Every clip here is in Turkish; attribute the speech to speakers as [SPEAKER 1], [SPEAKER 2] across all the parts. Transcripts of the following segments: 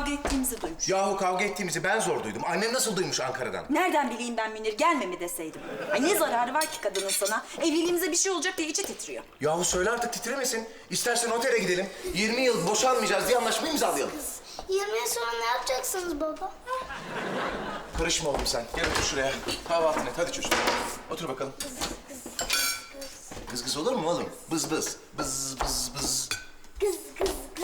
[SPEAKER 1] kavga ettiğimizi duymuş.
[SPEAKER 2] Yahu kavga ettiğimizi ben zor duydum. Annem nasıl duymuş Ankara'dan?
[SPEAKER 1] Nereden bileyim ben Münir, gelme mi deseydim. Ay ne zararı var ki kadının sana? Evliliğimize bir şey olacak diye içi titriyor.
[SPEAKER 2] Yahu söyle artık titremesin. İstersen otele gidelim. 20 yıl boşanmayacağız diye anlaşmayı imzalayalım.
[SPEAKER 3] 20 yıl sonra ne yapacaksınız baba?
[SPEAKER 2] Karışma oğlum sen. Gel otur şuraya. Kahvaltını et. Hadi çocuk. Otur bakalım. Kız kız olur mu oğlum? Bız bız. Bız bız bız.
[SPEAKER 3] Kız kız kız.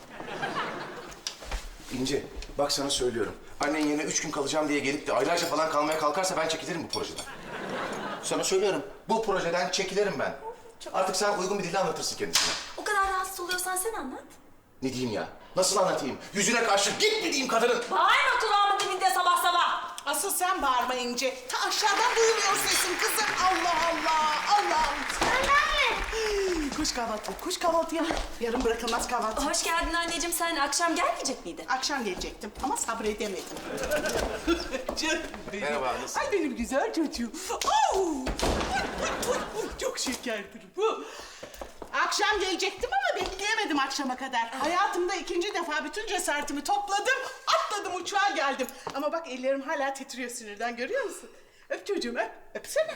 [SPEAKER 2] İnci, bak sana söylüyorum. Annen yerine 3 gün kalacağım diye gelip de aylarca falan kalmaya kalkarsa ben çekilirim bu projeden. Sana söylüyorum. Bu projeden çekilirim ben. Artık sen uygun bir dille anlatırsın kendisine.
[SPEAKER 1] O kadar rahatsız oluyorsan sen anlat.
[SPEAKER 2] Ne diyeyim ya? Nasıl anlatayım? Yüzüne karşı git mi diyeyim kadının?
[SPEAKER 1] Bağırma kulağımın dibinde sabah sabah.
[SPEAKER 4] Asıl sen bağırma İnce. Ta aşağıdan duyuluyor sesin kızım. Allah Allah, Allah'ım. Koş kahvaltı, koş kahvaltıya. Yarın bırakılmaz kahvaltı.
[SPEAKER 1] Hoş geldin anneciğim, sen akşam gelmeyecek miydin?
[SPEAKER 4] Akşam gelecektim ama sabredemedim. Canım benim.
[SPEAKER 2] Merhaba, nasılsın?
[SPEAKER 4] Ay benim güzel çocuğum. Çok şekerdir bu. Akşam gelecektim ama bekleyemedim akşama kadar. Hayatımda ikinci defa bütün cesaretimi topladım, atladım uçağa geldim. Ama bak ellerim hala titriyor sinirden, görüyor musun? Öp çocuğum, öp. Öpsene.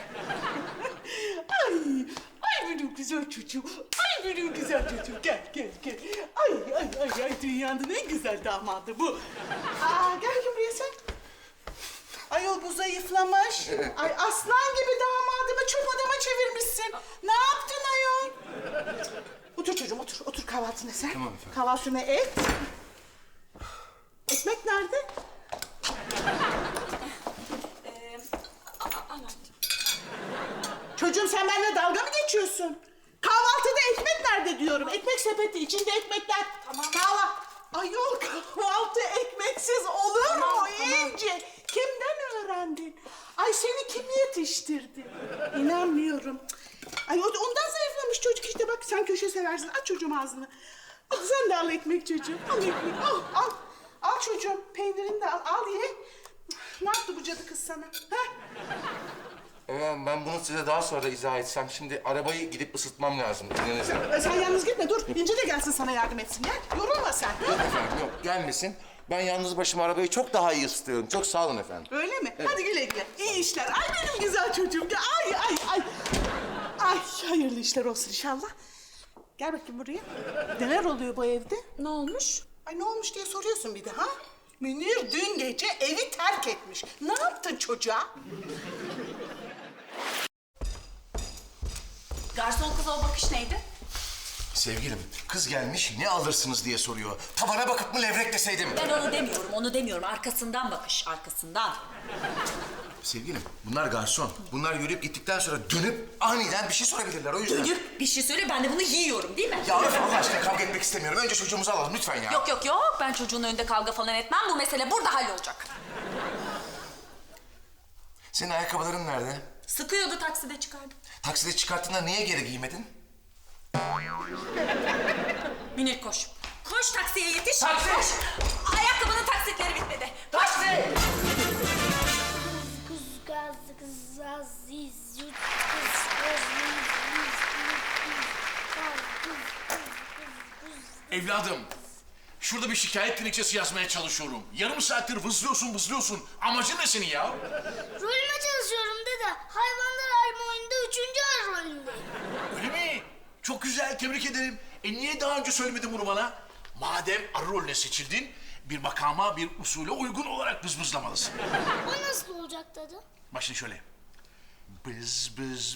[SPEAKER 4] Ay benim güzel çocuğum. Ay benim güzel çocuğum. Gel, gel, gel. Ay dünyanın en güzel damadı bu. Gel buraya sen. Ayol bu zayıflamış. Ay aslan gibi damadımı çöp adama çevirmişsin. Ne yaptın ayol? Otur çocuğum, otur. Otur kahvaltını sen.
[SPEAKER 2] Tamam efendim.
[SPEAKER 4] Kahvaltını et. Ekmek nerede? Çocuğum sen benimle dalga mı geçiyorsun? Kahvaltıda ekmek nerede diyorum? Ekmek sepeti, içinde ekmekler. Tamam. Ayol kahvaltı ekmeksiz olur mu İnci? Kimden öğrendin? Ay seni kim yetiştirdi? İnanmıyorum. Ay ondan zayıflamış çocuk işte, bak sen köşe seversin. Aç çocuğum ağzını. Sen de al ekmek çocuğum. Al ekmek, al. Al çocuğum, peynirini de al ye. Ne yaptı bu cadı kız sana? Ha?
[SPEAKER 2] Ben bunu size daha sonra izah etsem. Şimdi arabayı gidip ısıtmam lazım. İzninizle.
[SPEAKER 4] Sen yalnız gitme, dur. İnci de gelsin sana yardım etsin. Gel, yorulma sen.
[SPEAKER 2] Yok efendim, yok. Gelmesin. Ben yalnız başıma arabayı çok daha iyi ısıtıyorum. Çok sağ olun efendim.
[SPEAKER 4] Öyle mi? Hadi güle güle. İyi işler. Ay benim güzel çocuğum. Ay. Ay hayırlı işler olsun inşallah. Gel bakayım buraya. Neler oluyor bu evde?
[SPEAKER 1] Ne olmuş?
[SPEAKER 4] Ay ne olmuş diye soruyorsun bir de ha? Münir dün gece evi terk etmiş. Ne yaptın çocuğa?
[SPEAKER 1] Garson kıza o bakış neydi?
[SPEAKER 2] Sevgilim, kız gelmiş ne alırsınız diye soruyor. Tavana bakıp mı levrek deseydim?
[SPEAKER 1] Ben onu demiyorum. Arkasından bakış, arkasından.
[SPEAKER 2] Sevgilim, bunlar garson. Bunlar yürüyüp gittikten sonra dönüp aniden bir şey sorabilirler o yüzden.
[SPEAKER 1] Dönüp bir şey söyle, ben de bunu yiyorum değil mi?
[SPEAKER 2] Ya öf Allah aşkına kavga etmek istemiyorum. Önce çocuğumuzu alalım lütfen ya.
[SPEAKER 1] Yok. Ben çocuğun önünde kavga falan etmem. Bu mesele burada hallolacak.
[SPEAKER 2] Senin ayakkabıların nerede?
[SPEAKER 1] Sıkıyordu, takside çıkardım.
[SPEAKER 2] Takside çıkarttığında niye geri giymedin?
[SPEAKER 1] Münir koş. Koş taksiye yetiş.
[SPEAKER 2] Taksi!
[SPEAKER 1] Koş. Ayakkabının taksitleri bitmedi. Koş.
[SPEAKER 3] Kız gaz kız aziz yut kız
[SPEAKER 5] Evladım, şurada bir şikayet dilekçesi yazmaya çalışıyorum. Yarım saattir vızlıyorsun. Amacın ne senin ya?
[SPEAKER 3] Rolüme çalışıyorum dede. Hayvanlar alemi oyununda 3. ay rolündeyim.
[SPEAKER 5] Öyle mi? Çok güzel, tebrik ederim. Niye daha önce söylemedin bunu bana? Madem arı rolüne seçildin, bir makama, bir usule uygun olarak bızbızlamalısın.
[SPEAKER 3] O nasıl olacak dede?
[SPEAKER 5] Bak şimdi şöyle. Bız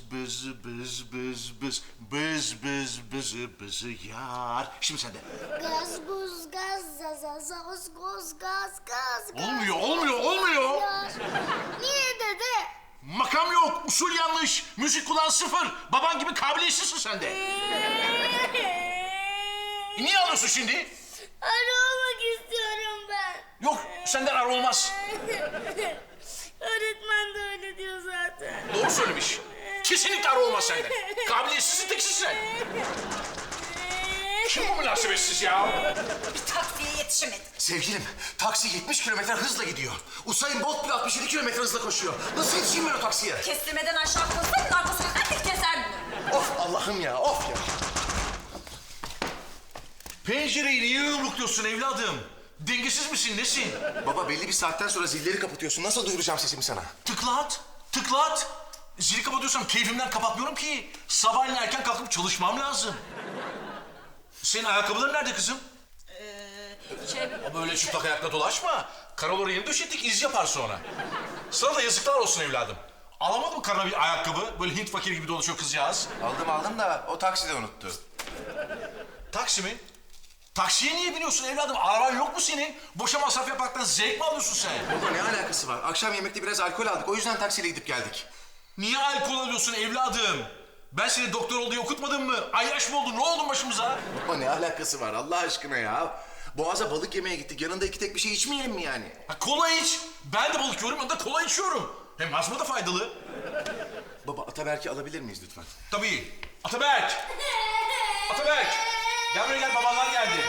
[SPEAKER 5] bız yar. Şimdi sen de.
[SPEAKER 3] Gaz buz gaz zaz goz gaz.
[SPEAKER 5] Olmuyor.
[SPEAKER 3] Yar. Niye dede?
[SPEAKER 5] Makam yok, usul yanlış. Müzik kulağın sıfır. Baban gibi kabiliyetsizsin sen de. Niye ağlıyorsun şimdi?
[SPEAKER 3] Arı olmak istiyorum ben.
[SPEAKER 5] Yok, senden arı olmaz.
[SPEAKER 3] Öğretmen de öyle diyor zaten.
[SPEAKER 5] Doğru söylemiş. Kesinlikle arı olmaz senden. Kabiliyetsizsin, teksiz sen. Kim bu münasebetsiz ya?
[SPEAKER 1] Bir taksiye yetişemedi.
[SPEAKER 2] Sevgilim, taksi 70 kilometre hızla gidiyor. Usain Bolt bile 67 kilometre hızla koşuyor. Nasıl yetişeyim ben o taksiye?
[SPEAKER 1] Kestirmeden aşağı koysaydın arkasından dik keserdin.
[SPEAKER 2] Of Allah'ım ya, of ya.
[SPEAKER 5] Pencereyi niye yumrukluyorsun evladım? Dengesiz misin, nesin?
[SPEAKER 2] Baba belli bir saatten sonra zilleri kapatıyorsun. Nasıl duyuracağım sesimi sana?
[SPEAKER 5] Tıklat, tıklat. Zili kapatıyorsam keyfimden kapatmıyorum ki. Sabahleyin erken kalkıp çalışmam lazım. Senin ayakkabıların nerede kızım? Böyle çıplak ayakla dolaşma. Karaları yeni döşettik, iz yapar sonra. Sana da yazıklar olsun evladım. Alamadın mı karına bir ayakkabı? Böyle Hint fakiri gibi dolaşıyor kızcağız.
[SPEAKER 2] Aldım da o takside unuttu.
[SPEAKER 5] Taksi mi? Taksiye niye biniyorsun evladım? Araban yok mu senin? Boşa masraf yapmaktan zevk mi alıyorsun sen?
[SPEAKER 2] Baba ne alakası var? Akşam yemekte biraz alkol aldık. O yüzden taksiyle gidip geldik.
[SPEAKER 5] Niye alkol alıyorsun evladım? Ben seni doktor ol diye okutmadım mı? Ayyaş mı oldun? Ne oldu başımıza?
[SPEAKER 2] Baba ne alakası var Allah aşkına ya? Boğaz'a balık yemeye gittik. Yanında iki tek bir şey içmeyelim mi yani?
[SPEAKER 5] Ha, kola iç. Ben de balık yiyorum, ben de kola içiyorum. Hem asma da faydalı.
[SPEAKER 2] Baba Ataberk'i alabilir miyiz lütfen?
[SPEAKER 5] Tabii. Ataberk! Ataberk! Gel buraya gel, babanlar geldi.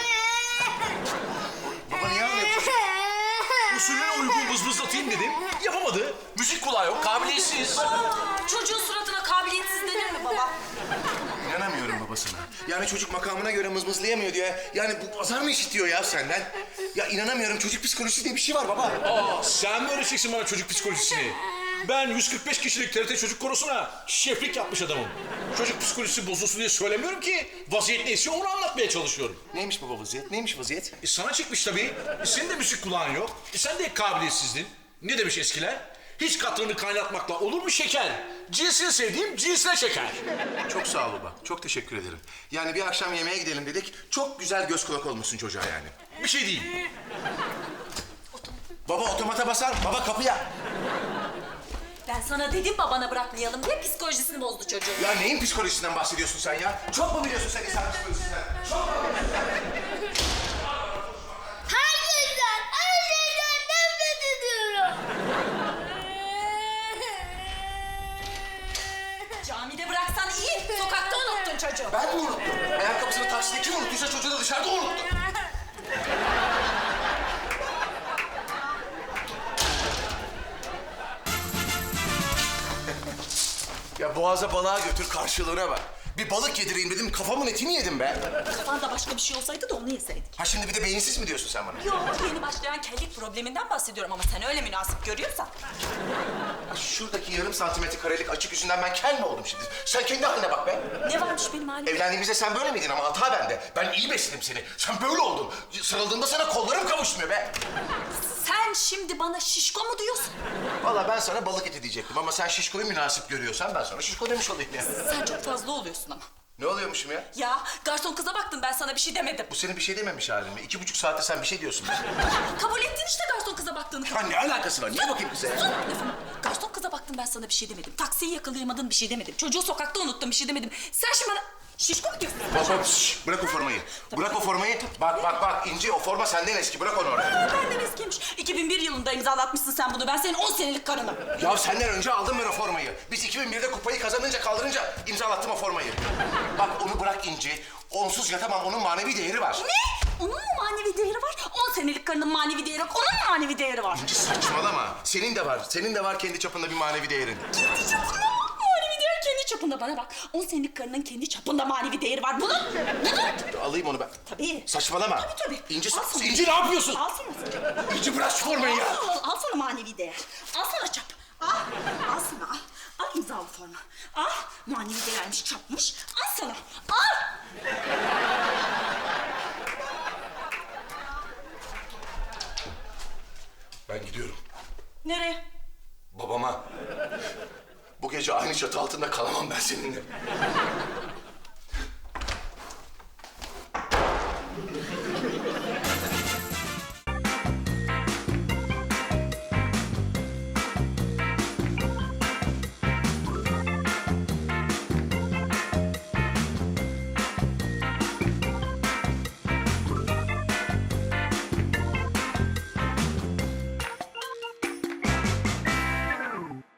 [SPEAKER 2] Baba niye ağlıyorsun?
[SPEAKER 5] Usulüne uygun vızvızlatayım dedim. Yapamadı. Müzik kulağı yok, kabiliyetsiz.
[SPEAKER 1] Çocuğun suratına kabiliyetsiz denir mi baba?
[SPEAKER 2] İnanamıyorum babasına. Yani çocuk makamına göre mızmızlayamıyor diye. Yani bu azar mı işitiyor ya senden? Ya inanamıyorum çocuk psikolojisi diye bir şey var baba.
[SPEAKER 5] Aa, sen mi öğreteceksin bana çocuk psikolojisini? Ben 145 kişilik TRT Çocuk Korosu'na şeflik yapmış adamım. Çocuk psikolojisi bozulsun diye söylemiyorum ki. Vaziyet neyse onu anlatmaya çalışıyorum.
[SPEAKER 2] Neymiş baba vaziyet? Neymiş vaziyet?
[SPEAKER 5] Sana çıkmış tabii. Senin de müzik kulağın yok. Sen de kabiliyetsizdin. Ne demiş eskiler? Hiç katranı kaynatmakla olur mu şeker? Cinsini sevdiğim cinsine şeker.
[SPEAKER 2] Çok sağ ol baba. Çok teşekkür ederim. Yani bir akşam yemeğe gidelim dedik. Çok güzel göz kulak olmuşsun çocuğa yani.
[SPEAKER 5] Bir şey değil.
[SPEAKER 2] Baba otomata basar. Baba kapıya.
[SPEAKER 1] Ben sana dedim babana bırakmayalım diye psikolojisini bozdu çocuğun.
[SPEAKER 2] Ya neyin psikolojisinden bahsediyorsun sen ya? Çok mu biliyorsun sen insan psikolojisinden? Çok mu biliyorsun?
[SPEAKER 3] Herkesten, her şeyden nefret ediyorum.
[SPEAKER 1] Camide bıraksan iyi, sokakta unuttun çocuğu.
[SPEAKER 2] Ben mi unuttum? Ayakkabısını takside kim unuttuysa çocuğu da dışarıda unuttu. Ya boğaza balığa götür karşılığına bak. Bir balık yedireyim dedim kafamın etini yedim be.
[SPEAKER 1] Kafanda başka bir şey olsaydı da onu yeseydik.
[SPEAKER 2] Ha şimdi bir de beyinsiz mi diyorsun sen bana?
[SPEAKER 1] Yok, yeni başlayan kellik probleminden bahsediyorum ama sen öyle münasip görüyorsan.
[SPEAKER 2] Ha, şuradaki yarım santimetre karelik açık yüzünden ben kel mi oldum şimdi? Sen kendi haline bak be.
[SPEAKER 1] Ne varmış benim halimde?
[SPEAKER 2] Evlendiğimizde sen böyle miydin ama hata bende. Ben iyi besledim seni. Sen böyle oldun. Sarıldığımda sana kollarım kavuşmuyor be.
[SPEAKER 1] Sen şimdi bana şişko mu diyorsun?
[SPEAKER 2] Vallahi ben sana balık eti diyecektim ama sen şişkoyu münasip görüyorsan ben sana şişko demiş olayım ya.
[SPEAKER 1] Sen çok fazla oluyorsun ama.
[SPEAKER 2] Ne oluyormuşum ya?
[SPEAKER 1] Ya garson kıza baktın, ben sana bir şey demedim.
[SPEAKER 2] Bu senin bir şey dememiş halin mi? 2,5 saatte sen bir şey diyorsun be.
[SPEAKER 1] Kabul ettin işte garson kıza baktığını.
[SPEAKER 2] Ya ne alakası var? Niye bakayım kıza ya?
[SPEAKER 1] Sus lafımı. Garson kıza baktım, ben sana bir şey demedim. Taksiyi yakalayamadın, bir şey demedim. Çocuğu sokakta unuttun, bir şey demedim. Sen şimdi bana şişko mu diyorsun?
[SPEAKER 2] Bak bak şşş, bırak o formayı. Bırak o formayı. Bak İnci o forma senden eski. Bırak onu oraya.
[SPEAKER 1] Benden eskiymiş. 2001 yılında imzalatmışsın sen bunu. Ben senin 10 senelik karınım.
[SPEAKER 2] Ya senden önce aldım ben o formayı. Biz 2001'de kupayı kaldırınca imzalattım o formayı. Bak onu bırak İnci. Onsuz yatamam. Onun manevi değeri var.
[SPEAKER 1] Ne? Onun mu manevi değeri var? 10 senelik karının manevi değeri yok. Onun mu manevi değeri var?
[SPEAKER 2] İnci saçmalama. Senin de var. Senin de var kendi çapında bir manevi değerin.
[SPEAKER 1] Kendi çapında mı? Manevi değer kendi çapında. Bana bak. 10 senelik karının kendi çapında manevi değeri var. Bunun.
[SPEAKER 2] Alayım onu ben.
[SPEAKER 1] Tabii.
[SPEAKER 2] Saçmalama.
[SPEAKER 1] Tabii.
[SPEAKER 2] İnci,
[SPEAKER 1] Al sana.
[SPEAKER 2] İnci ne yapıyorsun?
[SPEAKER 1] Al sana.
[SPEAKER 2] İnci bırak şu formayı ya.
[SPEAKER 1] Al sana manevi değer. Al sana çap. Al sana al. Al imzalı forma. Al manevi değermiş, çapmış. Al sana. Al.
[SPEAKER 2] Ben gidiyorum.
[SPEAKER 1] Nereye?
[SPEAKER 2] Babama. Bu gece aynı çatı altında kalamam ben seninle.